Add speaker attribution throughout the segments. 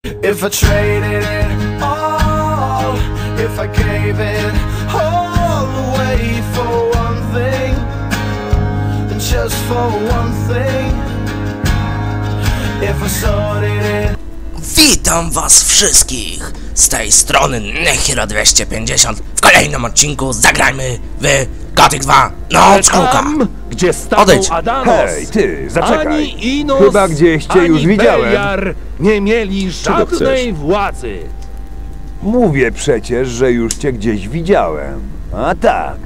Speaker 1: If I traded it all, if I gave it all away for one thing, just for one thing, if I sorted it.
Speaker 2: Witam was wszystkich z tej strony Nehiro250. W kolejnym odcinku zagrajmy w Gothic 2 Noc Kruka.
Speaker 3: Gdzie stanął Adanos,
Speaker 4: hej, ty, zaczekaj.
Speaker 3: Ani Inos,
Speaker 4: Chyba gdzieś cię już widziałem.
Speaker 3: Beliar nie mieli żadnej władzy.
Speaker 4: Mówię przecież, że już cię gdzieś widziałem. A tak.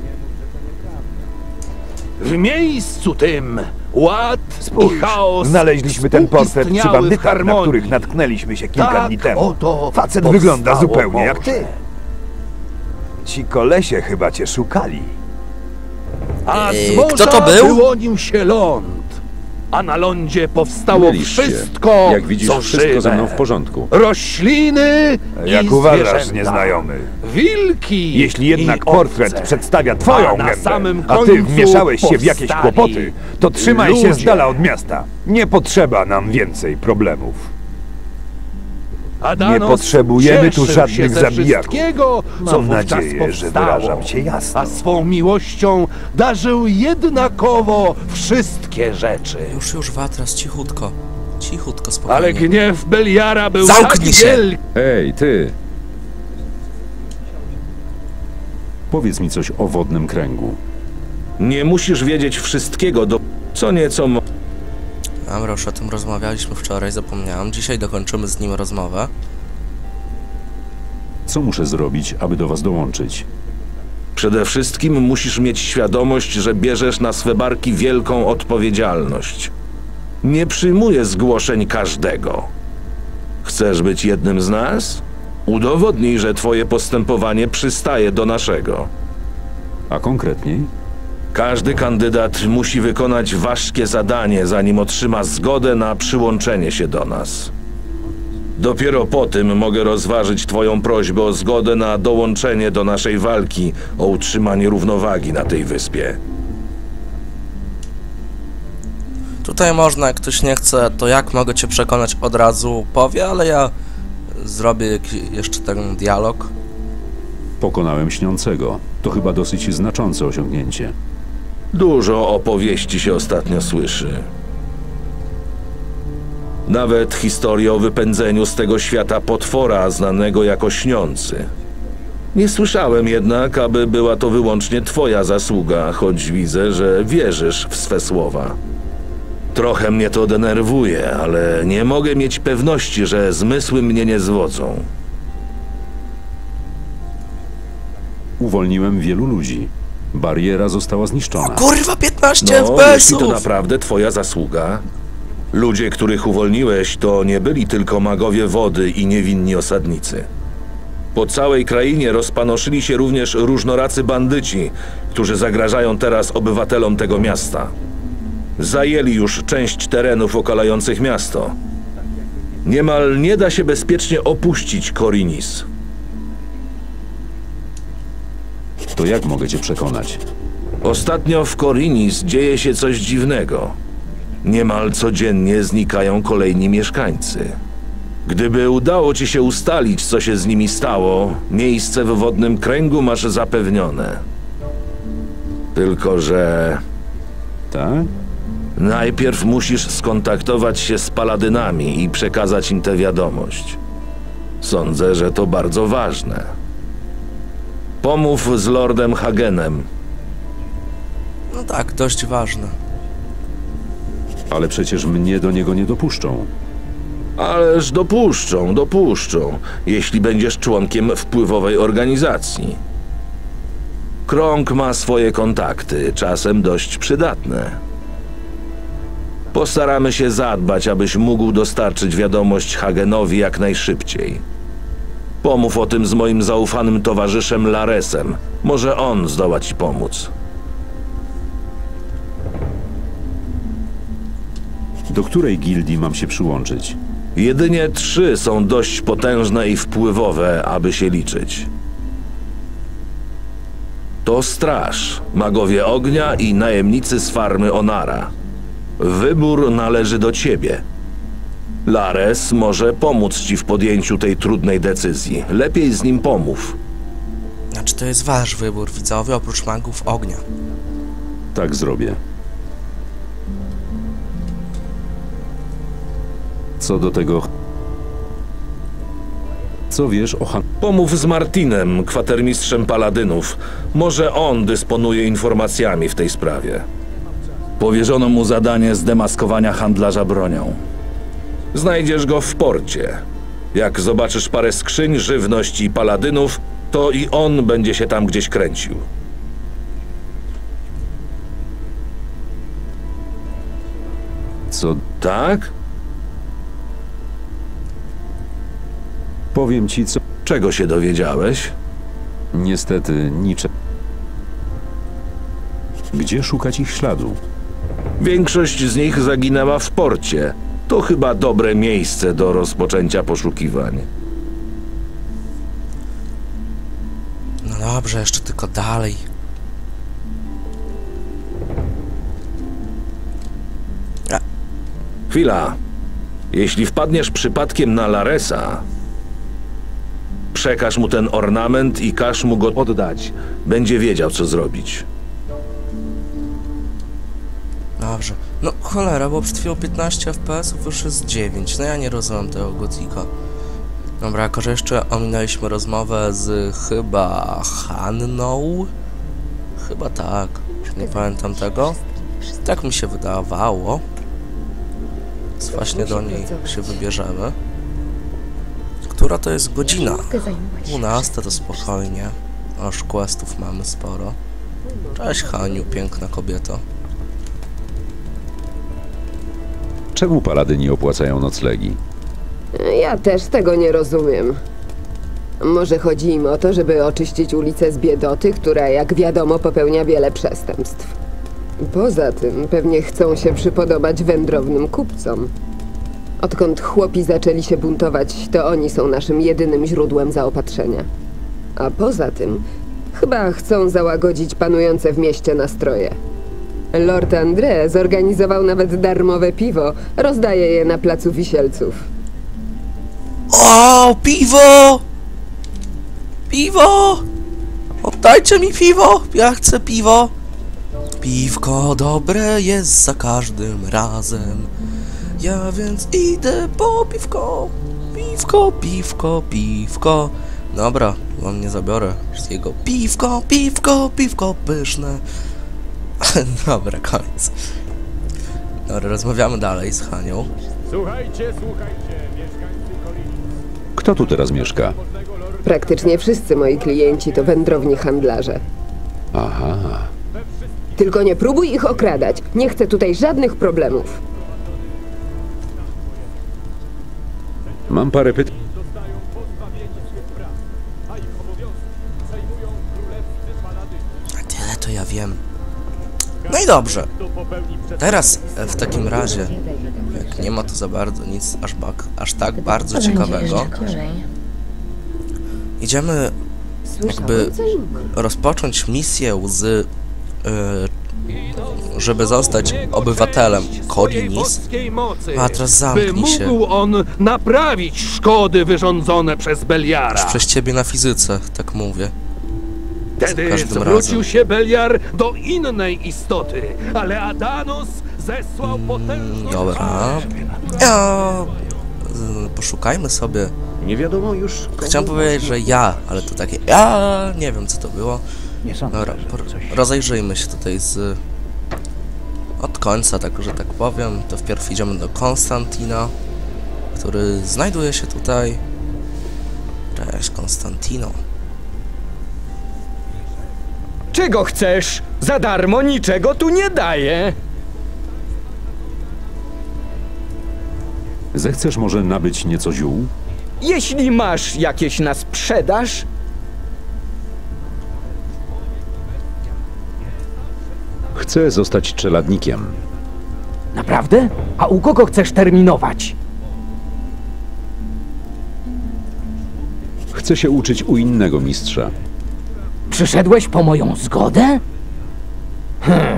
Speaker 3: W miejscu tym ład i
Speaker 4: Spójrz,
Speaker 3: chaos
Speaker 4: znaleźliśmy ten portret przy
Speaker 3: współistniały w
Speaker 4: bandytach, na
Speaker 3: harmonii.
Speaker 4: których natknęliśmy się kilka
Speaker 3: Tak
Speaker 4: dni temu.
Speaker 3: oto
Speaker 4: Facet wygląda
Speaker 3: powstało
Speaker 4: zupełnie jak
Speaker 3: morze.
Speaker 4: ty. Ci kolesie chyba cię szukali.
Speaker 3: A z
Speaker 2: kto to
Speaker 3: morza
Speaker 2: był?
Speaker 3: wyłonił się ląd, a na lądzie powstało
Speaker 5: Mylisz się.
Speaker 3: wszystko,
Speaker 5: Jak widzisz,
Speaker 3: co
Speaker 5: wszystko
Speaker 3: żywe.
Speaker 5: ze mną w porządku.
Speaker 3: Rośliny
Speaker 4: Jak
Speaker 3: i
Speaker 4: uważasz,
Speaker 3: zwierzęta.
Speaker 4: nieznajomy?
Speaker 3: Wilki
Speaker 4: Jeśli jednak
Speaker 3: i
Speaker 4: portret
Speaker 3: owce.
Speaker 4: przedstawia twoją
Speaker 3: A na
Speaker 4: gębę,
Speaker 3: samym
Speaker 4: a ty
Speaker 3: końcu
Speaker 4: wmieszałeś się w jakieś
Speaker 3: powstali
Speaker 4: kłopoty, to trzymaj się z
Speaker 3: ludzie.
Speaker 4: dala od miasta. Nie potrzeba nam więcej problemów.
Speaker 3: Adanos
Speaker 4: Nie potrzebujemy tu
Speaker 3: cieszył
Speaker 4: żadnych
Speaker 3: się ze
Speaker 4: zabijaków.
Speaker 3: wszystkiego, co
Speaker 4: Mam
Speaker 3: wówczas
Speaker 4: nadzieję, że
Speaker 3: powstało,
Speaker 4: wyrażam się jasno.
Speaker 3: a swą miłością darzył jednakowo wszystkie rzeczy.
Speaker 2: Już Watras, cichutko. Cichutko, spokojnie.
Speaker 3: Ale gniew Beliara był
Speaker 2: Zamknij
Speaker 3: tak
Speaker 2: się.
Speaker 3: wielki.
Speaker 5: Ej, ty! Powiedz mi coś o wodnym kręgu.
Speaker 6: Nie musisz wiedzieć wszystkiego, co nieco
Speaker 2: Dobra, już o tym rozmawialiśmy wczoraj, zapomniałem. Dzisiaj dokończymy z nim rozmowę.
Speaker 5: Co muszę zrobić, aby do was dołączyć?
Speaker 6: Przede wszystkim musisz mieć świadomość, że bierzesz na swe barki wielką odpowiedzialność. Nie przyjmuję zgłoszeń każdego. Chcesz być jednym z nas? Udowodnij, że twoje postępowanie przystaje do naszego.
Speaker 5: A konkretniej?
Speaker 6: Każdy kandydat musi wykonać ważkie zadanie, zanim otrzyma zgodę na przyłączenie się do nas. Dopiero po tym mogę rozważyć twoją prośbę o zgodę na dołączenie do naszej walki o utrzymanie równowagi na tej wyspie.
Speaker 2: Tutaj można, jak ktoś nie chce, to jak mogę cię przekonać, od razu powie, ale ja zrobię jeszcze ten dialog.
Speaker 5: Pokonałem śniącego. To chyba dosyć znaczące osiągnięcie.
Speaker 6: Dużo opowieści się ostatnio słyszy. Nawet historię o wypędzeniu z tego świata potwora znanego jako Śniący. Nie słyszałem jednak, aby była to wyłącznie twoja zasługa, choć widzę, że wierzysz w swe słowa. Trochę mnie to denerwuje, ale nie mogę mieć pewności, że zmysły mnie nie zwodzą.
Speaker 5: Uwolniłem wielu ludzi. Bariera została zniszczona.
Speaker 2: Kurwa, 15
Speaker 6: No, jeśli to
Speaker 2: FPS-ów!
Speaker 6: naprawdę twoja zasługa. Ludzie, których uwolniłeś, to nie byli tylko magowie wody i niewinni osadnicy. Po całej krainie rozpanoszyli się również różnoracy bandyci, którzy zagrażają teraz obywatelom tego miasta. Zajęli już część terenów okalających miasto. Niemal nie da się bezpiecznie opuścić Korinis.
Speaker 5: To jak mogę cię przekonać?
Speaker 6: Ostatnio w Korinis dzieje się coś dziwnego. Niemal codziennie znikają kolejni mieszkańcy. Gdyby udało ci się ustalić, co się z nimi stało, miejsce w wodnym kręgu masz zapewnione. Tylko że
Speaker 5: Tak?
Speaker 6: najpierw musisz skontaktować się z paladynami i przekazać im tę wiadomość. Sądzę, że to bardzo ważne. Pomów z Lordem Hagenem.
Speaker 2: No tak, dość ważne.
Speaker 5: Ale przecież mnie do niego nie dopuszczą.
Speaker 6: Ależ dopuszczą, jeśli będziesz członkiem wpływowej organizacji. Krąg ma swoje kontakty, czasem dość przydatne. Postaramy się zadbać, abyś mógł dostarczyć wiadomość Hagenowi jak najszybciej. Pomów o tym z moim zaufanym towarzyszem Laresem. Może on zdoła ci pomóc.
Speaker 5: Do której gildii mam się przyłączyć?
Speaker 6: Jedynie 3 są dość potężne i wpływowe, aby się liczyć. To Straż, Magowie Ognia i najemnicy z farmy Onara. Wybór należy do ciebie. Lares może pomóc ci w podjęciu tej trudnej decyzji. Lepiej z nim pomów.
Speaker 2: Znaczy to jest wasz wybór, widzowie, oprócz magów ognia.
Speaker 5: Tak zrobię. Co do tego... Co wiesz o
Speaker 6: Pomów z Martinem, kwatermistrzem paladynów. Może on dysponuje informacjami w tej sprawie.
Speaker 7: Powierzono mu zadanie zdemaskowania handlarza bronią.
Speaker 6: Znajdziesz go w porcie. Jak zobaczysz parę skrzyń, żywność i paladynów, to i on będzie się tam gdzieś kręcił.
Speaker 5: Co...
Speaker 6: Tak?
Speaker 5: Powiem ci, co...
Speaker 6: Czego się dowiedziałeś?
Speaker 5: Niestety, niczego. Gdzie szukać ich śladu?
Speaker 6: Większość z nich zaginęła w porcie. To chyba dobre miejsce do rozpoczęcia poszukiwań.
Speaker 2: No dobrze, jeszcze tylko dalej.
Speaker 6: Chwila. Jeśli wpadniesz przypadkiem na Laresa, przekaż mu ten ornament i każ mu go oddać. Będzie wiedział, co zrobić.
Speaker 2: Dobrze. No cholera, bo przed chwilą 15 FPS-ów już jest 9. No ja nie rozumiem tego Gotika. Dobra, jako że jeszcze ominęliśmy rozmowę z chyba Hanną. Chyba tak. Już nie pamiętam tego. Tak mi się wydawało. Więc właśnie do niej się wybierzemy. Która to jest godzina? 12 to spokojnie. Aż questów mamy sporo. Cześć Haniu, piękna kobieto.
Speaker 5: Czemu paladyni opłacają noclegi?
Speaker 8: Ja też tego nie rozumiem. Może chodzi im o to, żeby oczyścić ulicę z biedoty, która, jak wiadomo, popełnia wiele przestępstw. Poza tym pewnie chcą się przypodobać wędrownym kupcom. Odkąd chłopi zaczęli się buntować, to oni są naszym jedynym źródłem zaopatrzenia. A poza tym chyba chcą załagodzić panujące w mieście nastroje. Lord André zorganizował nawet darmowe piwo. Rozdaje je na placu Wisielców.
Speaker 2: O, piwo! Piwo! Oddajcie mi piwo! Ja chcę piwo! Piwko dobre jest za każdym razem. Ja więc idę po piwko. Piwko, piwko, piwko. Dobra, wam nie zabiorę wszystkiego. Piwko, piwko, piwko pyszne. Dobra, koniec. Dobra, rozmawiamy dalej z Hanią.
Speaker 3: Słuchajcie, mieszkańcy Kolini.
Speaker 5: Kto tu teraz mieszka?
Speaker 8: Praktycznie wszyscy moi klienci to wędrowni handlarze.
Speaker 5: Aha.
Speaker 8: Tylko nie próbuj ich okradać. Nie chcę tutaj żadnych problemów.
Speaker 5: Mam parę pytań.
Speaker 3: Zostają pozbawieni swych praw, a ich obowiązki przejmują królewscy paladyni.
Speaker 2: A tyle to ja wiem. No i dobrze.
Speaker 3: Kto popełni
Speaker 2: Teraz w takim razie, jak nie ma tu za bardzo nic aż tak bardzo ciekawego, idziemy jakby rozpocząć misję z żeby zostać obywatelem Korinis. A teraz zamknij się.
Speaker 3: By mógł on naprawić szkody wyrządzone przez Beliara.
Speaker 2: Przez ciebie na fizyce, tak mówię.
Speaker 3: Wtedy
Speaker 2: każdym
Speaker 3: zwrócił
Speaker 2: razem.
Speaker 3: się Beliar do innej istoty, ale Adanos zesłał potężną...
Speaker 2: Dobra. Ja... Poszukajmy sobie.
Speaker 7: Nie wiadomo już...
Speaker 2: Chciałem powiedzieć, że ja, ale to takie ja nie wiem co to było. Dobra, rozejrzyjmy się tutaj od końca, tak że tak powiem. To wpierw idziemy do Konstantina, który znajduje się tutaj. Cześć Konstantino.
Speaker 9: Czego chcesz? Za darmo niczego tu nie daję.
Speaker 5: Zechcesz może nabyć nieco ziół?
Speaker 9: Jeśli masz jakieś na sprzedaż,
Speaker 5: Chcę zostać czeladnikiem.
Speaker 9: naprawdę? A u kogo chcesz terminować?
Speaker 5: Chcę się uczyć u innego mistrza.
Speaker 9: Przyszedłeś po moją zgodę?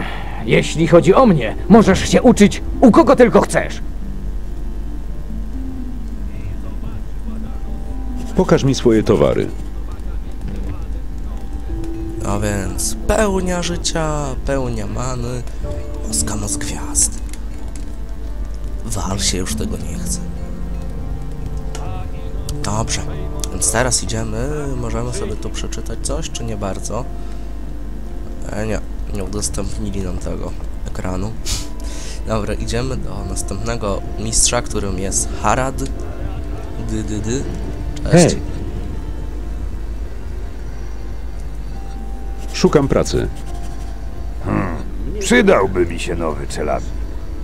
Speaker 9: Jeśli chodzi o mnie, możesz się uczyć u kogo tylko chcesz.
Speaker 5: Pokaż mi swoje towary.
Speaker 2: A więc pełnia życia, pełnia many, łaska moc gwiazd. Wal się, już tego nie chce. Dobrze, więc teraz idziemy, możemy sobie tu przeczytać coś, czy nie bardzo? Nie udostępnili nam tego ekranu. Dobra, idziemy do następnego mistrza, którym jest Harad. Cześć.
Speaker 5: Hej. Szukam pracy.
Speaker 4: Przydałby mi się nowy czeladnik.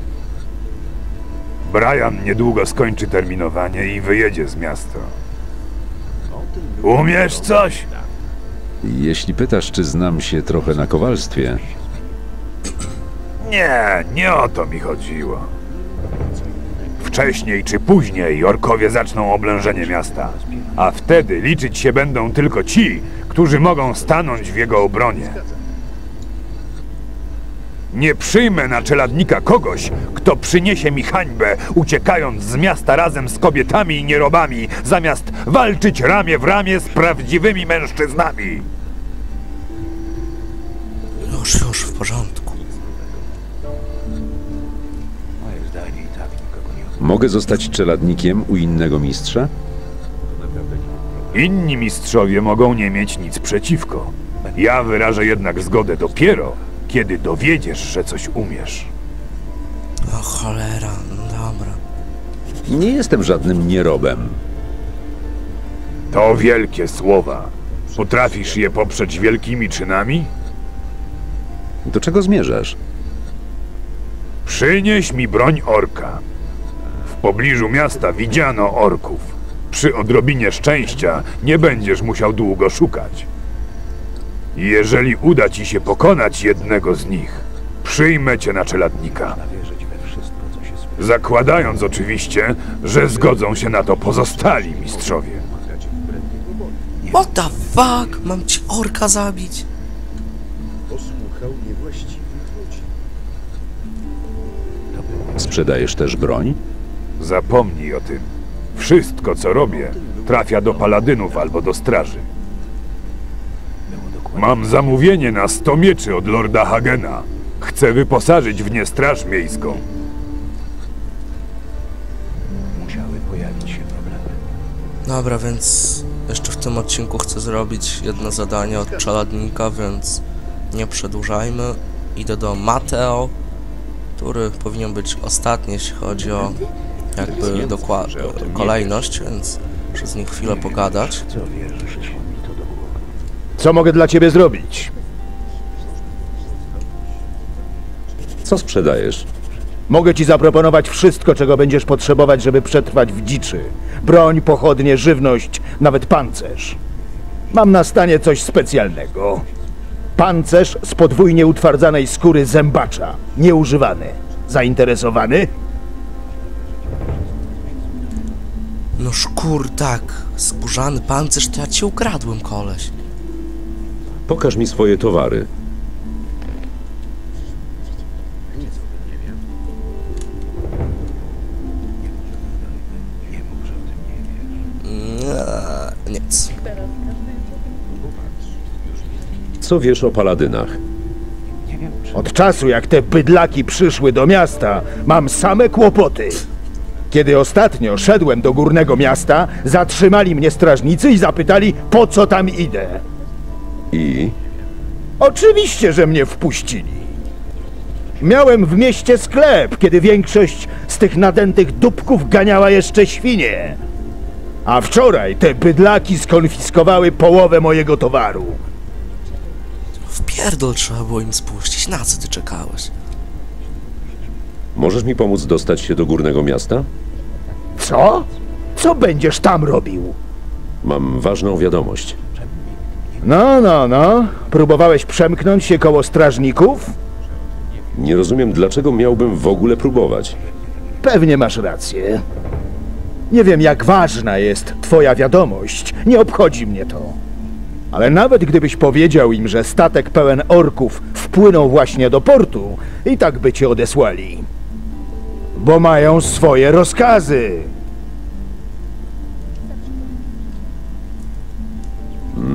Speaker 4: Brian niedługo skończy terminowanie i wyjedzie z miasta. Umiesz coś?
Speaker 5: Jeśli pytasz, czy znam się trochę na kowalstwie,
Speaker 4: Nie o to mi chodziło. Wcześniej czy później orkowie zaczną oblężenie miasta, a wtedy liczyć się będą tylko ci, którzy mogą stanąć w jego obronie. Nie przyjmę na czeladnika kogoś, kto przyniesie mi hańbę, uciekając z miasta razem z kobietami i nierobami, zamiast walczyć ramię w ramię z prawdziwymi mężczyznami.
Speaker 2: Już, w porządku.
Speaker 5: mogę zostać czeladnikiem u innego mistrza?
Speaker 4: Inni mistrzowie mogą nie mieć nic przeciwko. Ja wyrażę jednak zgodę dopiero, kiedy dowiedziesz, że coś umiesz.
Speaker 2: O cholera, no dobra.
Speaker 5: Nie jestem żadnym nierobem.
Speaker 4: To wielkie słowa. Potrafisz je poprzeć wielkimi czynami?
Speaker 5: Do czego zmierzasz?
Speaker 4: Przynieś mi broń orka. W pobliżu miasta widziano orków. Przy odrobinie szczęścia nie będziesz musiał długo szukać. Jeżeli uda ci się pokonać jednego z nich, przyjmę cię na czeladnika. Zakładając oczywiście, że zgodzą się na to pozostali mistrzowie.
Speaker 2: What the fuck? Mam ci orka zabić?
Speaker 5: Sprzedajesz też broń?
Speaker 4: Zapomnij o tym. Wszystko, co robię, trafia do paladynów albo do straży. Mam zamówienie na 100 mieczy od lorda Hagena. Chcę wyposażyć w nie straż miejską.
Speaker 2: Dobra, więc jeszcze w tym odcinku chcę zrobić jedno zadanie od czeladnika, więc nie przedłużajmy. Idę do Mateo, który powinien być ostatni, jeśli chodzi o jakby kolejność, więc przez nich chwilę pogadać.
Speaker 10: Co mogę dla ciebie zrobić?
Speaker 5: Co sprzedajesz?
Speaker 10: Mogę ci zaproponować wszystko, czego będziesz potrzebować, żeby przetrwać w dziczy. Broń, pochodnie, żywność, nawet pancerz. Mam na stanie coś specjalnego. Pancerz z podwójnie utwardzanej skóry zębacza, nieużywany. Zainteresowany?
Speaker 2: No szkur, tak. Skórzany pancerz to ja ci ukradłem, koleś.
Speaker 5: Pokaż mi swoje towary. Nic. Co wiesz o paladynach?
Speaker 10: Od czasu, jak te bydlaki przyszły do miasta, mam same kłopoty. Kiedy ostatnio szedłem do górnego miasta, zatrzymali mnie strażnicy i zapytali, po co tam idę.
Speaker 5: I?
Speaker 10: Oczywiście, że mnie wpuścili. Miałem w mieście sklep, kiedy większość z tych nadętych dupków ganiała jeszcze świnie. A wczoraj te bydlaki skonfiskowały połowę mojego towaru.
Speaker 2: W pierdol trzeba było im spuścić. Na co ty czekałeś?
Speaker 5: Możesz mi pomóc dostać się do górnego miasta?
Speaker 10: Co? Co będziesz tam robił?
Speaker 5: Mam ważną wiadomość.
Speaker 10: No. Próbowałeś przemknąć się koło strażników?
Speaker 5: Nie rozumiem, dlaczego miałbym w ogóle próbować.
Speaker 10: Pewnie masz rację. Nie wiem, jak ważna jest twoja wiadomość. Nie obchodzi mnie to. Ale nawet gdybyś powiedział im, że statek pełen orków wpłynął właśnie do portu, i tak by cię odesłali. Bo mają swoje rozkazy.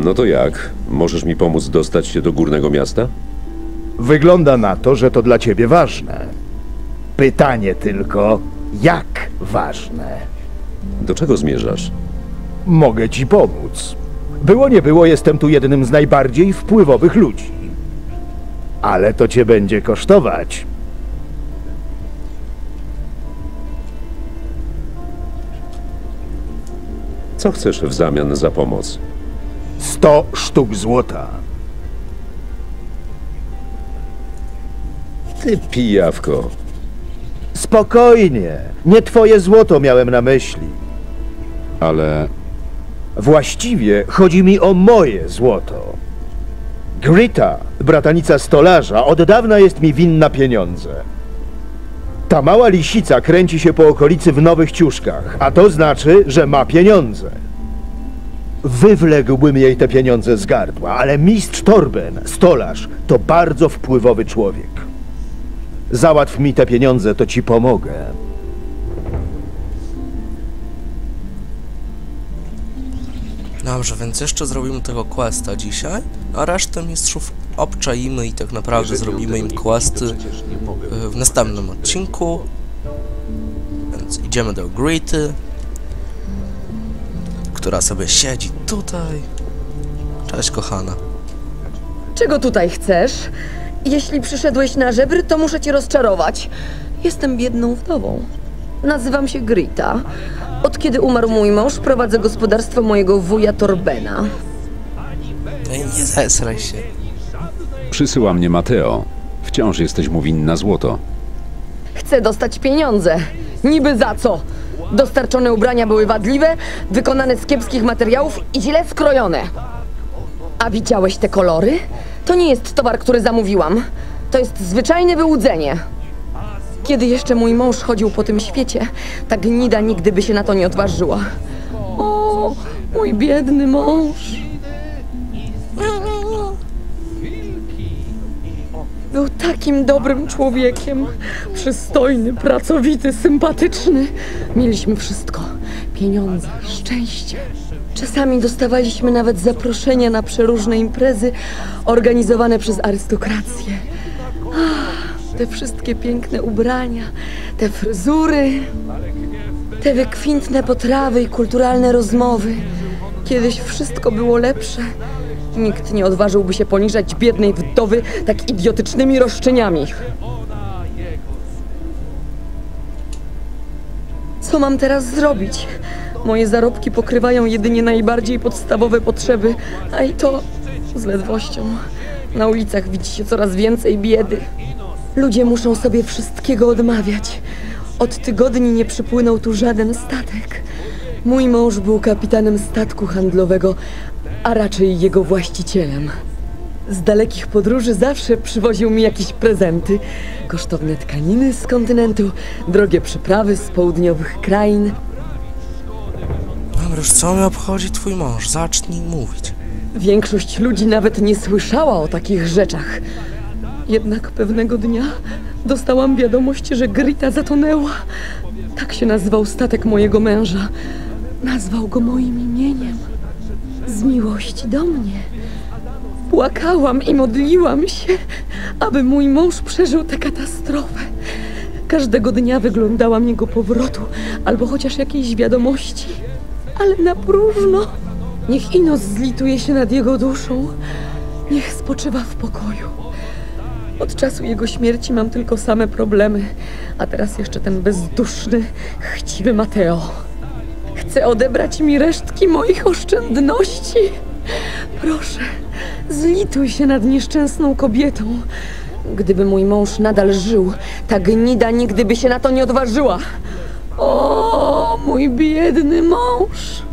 Speaker 5: No to jak? Możesz mi pomóc dostać się do Górnego Miasta?
Speaker 10: Wygląda na to, że to dla ciebie ważne. Pytanie tylko, jak ważne?
Speaker 5: Do czego zmierzasz?
Speaker 10: Mogę ci pomóc. Było nie było, jestem tu jednym z najbardziej wpływowych ludzi. Ale to cię będzie kosztować.
Speaker 5: Co chcesz w zamian za pomoc?
Speaker 10: 100 sztuk złota.
Speaker 5: Ty pijawko.
Speaker 10: Spokojnie. Nie twoje złoto miałem na myśli.
Speaker 5: Ale
Speaker 10: Właściwie chodzi mi o moje złoto. Grita, bratanica stolarza, od dawna jest mi winna pieniądze. Ta mała lisica kręci się po okolicy w nowych ciuszkach, a to znaczy, że ma pieniądze. Wywległbym jej te pieniądze z gardła, ale mistrz Torben, stolarz, to bardzo wpływowy człowiek. Załatw mi te pieniądze, to ci pomogę.
Speaker 2: Dobrze, więc jeszcze zrobimy tego questa dzisiaj, a resztę mistrzów obczaimy i tak naprawdę zrobimy im questy w następnym odcinku. Więc idziemy do Grity, która sobie siedzi tutaj. Cześć, kochana.
Speaker 11: Czego tutaj chcesz? Jeśli przyszedłeś na żebry, to muszę cię rozczarować. Jestem biedną wdową. Nazywam się Grita. Od kiedy umarł mój mąż, prowadzę gospodarstwo mojego wuja Torbena.
Speaker 2: Nie zesraj się.
Speaker 5: przysyła mnie Mateo. Wciąż jesteś mu winna złoto.
Speaker 11: Chcę dostać pieniądze. Niby za co? Dostarczone ubrania były wadliwe, wykonane z kiepskich materiałów i źle skrojone. A widziałeś te kolory? To nie jest towar, który zamówiłam. To jest zwyczajne wyłudzenie. Kiedy jeszcze mój mąż chodził po tym świecie, ta gnida nigdy by się na to nie odważyła. O, mój biedny mąż. Był takim dobrym człowiekiem. Przystojny, pracowity, sympatyczny. Mieliśmy wszystko. Pieniądze, szczęście. Czasami dostawaliśmy nawet zaproszenia na przeróżne imprezy organizowane przez arystokrację. Te wszystkie piękne ubrania, te fryzury, te wykwintne potrawy i kulturalne rozmowy. Kiedyś wszystko było lepsze. Nikt nie odważyłby się poniżać biednej wdowy tak idiotycznymi roszczeniami. Co mam teraz zrobić? Moje zarobki pokrywają jedynie najbardziej podstawowe potrzeby, a i to z ledwością. Na ulicach widzi się coraz więcej biedy. Ludzie muszą sobie wszystkiego odmawiać. Od tygodni nie przypłynął tu żaden statek. Mój mąż był kapitanem statku handlowego, a raczej jego właścicielem. Z dalekich podróży zawsze przywoził mi jakieś prezenty. Kosztowne tkaniny z kontynentu, drogie przyprawy z południowych krain.
Speaker 2: Dobra, już co mnie obchodzi twój mąż? Zacznij mówić.
Speaker 11: Większość ludzi nawet nie słyszała o takich rzeczach. Jednak pewnego dnia dostałam wiadomość, że Grita zatonęła. Tak się nazywał statek mojego męża. Nazwał go moim imieniem. Z miłości do mnie. Płakałam i modliłam się, aby mój mąż przeżył tę katastrofę. Każdego dnia wyglądałam jego powrotu, albo chociaż jakiejś wiadomości. Ale na próżno. Niech Inos zlituje się nad jego duszą. Niech spoczywa w pokoju. Od czasu jego śmierci mam tylko same problemy, a teraz jeszcze ten bezduszny, chciwy Mateo. Chce odebrać mi resztki moich oszczędności. Proszę, zlituj się nad nieszczęsną kobietą. Gdyby mój mąż nadal żył, ta gnida nigdy by się na to nie odważyła. O, mój biedny mąż.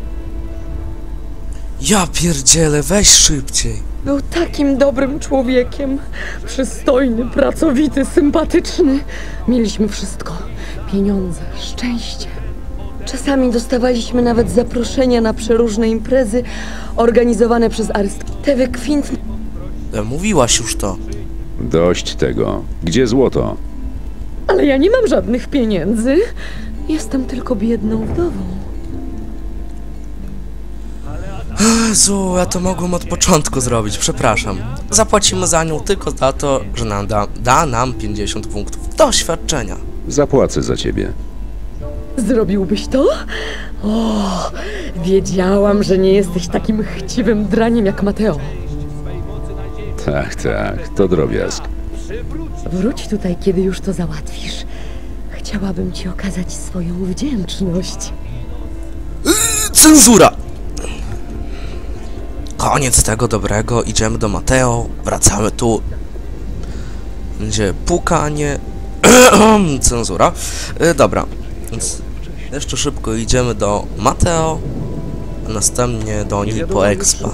Speaker 2: Ja pierdzielę, weź szybciej.
Speaker 11: Był takim dobrym człowiekiem. Przystojny, pracowity, sympatyczny. Mieliśmy wszystko. Pieniądze, szczęście. Czasami dostawaliśmy nawet zaproszenia na przeróżne imprezy organizowane przez arystokrację. Te wykwintne...
Speaker 2: Mówiłaś już to.
Speaker 5: Dość tego. Gdzie złoto?
Speaker 11: Ale ja nie mam żadnych pieniędzy. Jestem tylko biedną wdową.
Speaker 2: Jezu, ja to mogłem od początku zrobić, przepraszam. Zapłacimy za nią tylko za to, że da nam 50 punktów doświadczenia.
Speaker 5: Zapłacę za ciebie.
Speaker 11: Zrobiłbyś to? O, wiedziałam, że nie jesteś takim chciwym draniem jak Mateo.
Speaker 5: Tak, to drobiazg.
Speaker 11: Wróć tutaj, kiedy już to załatwisz. Chciałabym ci okazać swoją wdzięczność.
Speaker 2: Cenzura! Koniec tego dobrego, idziemy do Mateo, wracamy tu. Będzie pukanie. Cenzura. Dobra, więc jeszcze szybko idziemy do Mateo, a następnie do niej po expa.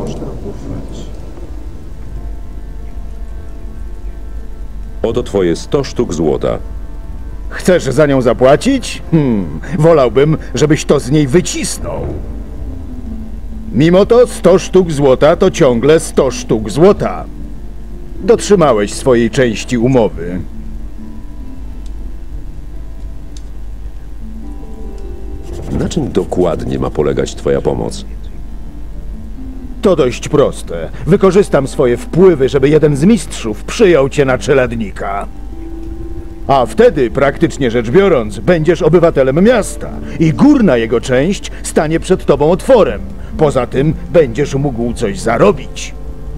Speaker 5: Oto twoje 100 sztuk złota.
Speaker 10: Chcesz za nią zapłacić? Wolałbym, żebyś to z niej wycisnął. Mimo to 100 sztuk złota to ciągle 100 sztuk złota. Dotrzymałeś swojej części umowy.
Speaker 5: Na czym dokładnie ma polegać twoja pomoc?
Speaker 10: To dość proste. Wykorzystam swoje wpływy, żeby jeden z mistrzów przyjął cię na czeladnika. A wtedy, praktycznie rzecz biorąc, będziesz obywatelem miasta i górna jego część stanie przed tobą otworem. Poza tym będziesz mógł coś zarobić.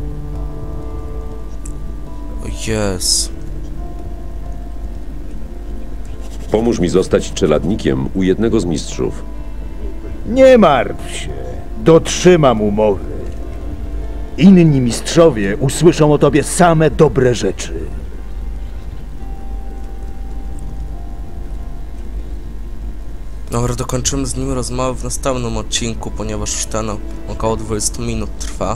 Speaker 2: Jest.
Speaker 5: Pomóż mi zostać czeladnikiem u jednego z mistrzów.
Speaker 10: Nie martw się. Dotrzymam umowy. Inni mistrzowie usłyszą o tobie same dobre rzeczy.
Speaker 2: Dobra, dokończymy z nim rozmowę w następnym odcinku, ponieważ już ten około 20 minut trwa.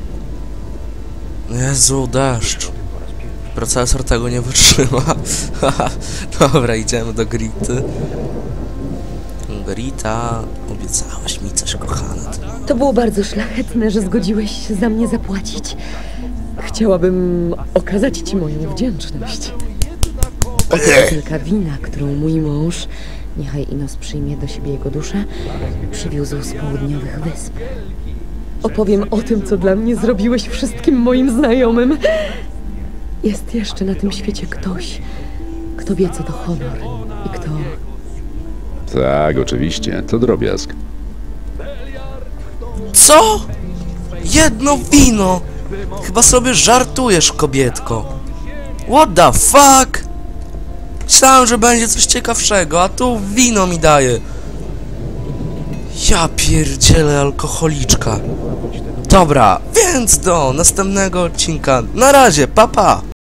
Speaker 2: Jezu, deszcz. Procesor tego nie wytrzyma. Dobra, idziemy do Grity. Grita, obiecałaś mi coś, kochana.
Speaker 11: To było bardzo szlachetne, że zgodziłeś się za mnie zapłacić. Chciałabym okazać ci moją wdzięczność. Oto butelka wina, którą mój mąż, niechaj Inos przyjmie do siebie jego duszę, przywiózł z południowych wysp. Opowiem o tym, co dla mnie zrobiłeś wszystkim moim znajomym. Jest jeszcze na tym świecie ktoś, kto wie, co to honor i kto...
Speaker 5: Tak, oczywiście, to drobiazg.
Speaker 2: Co? Jedno wino! Chyba sobie żartujesz, kobietko. What the fuck? Myślałem, że będzie coś ciekawszego, a tu wino mi daje. Ja pierdzielę, alkoholiczka. Dobra, więc do następnego odcinka. Na razie, pa pa!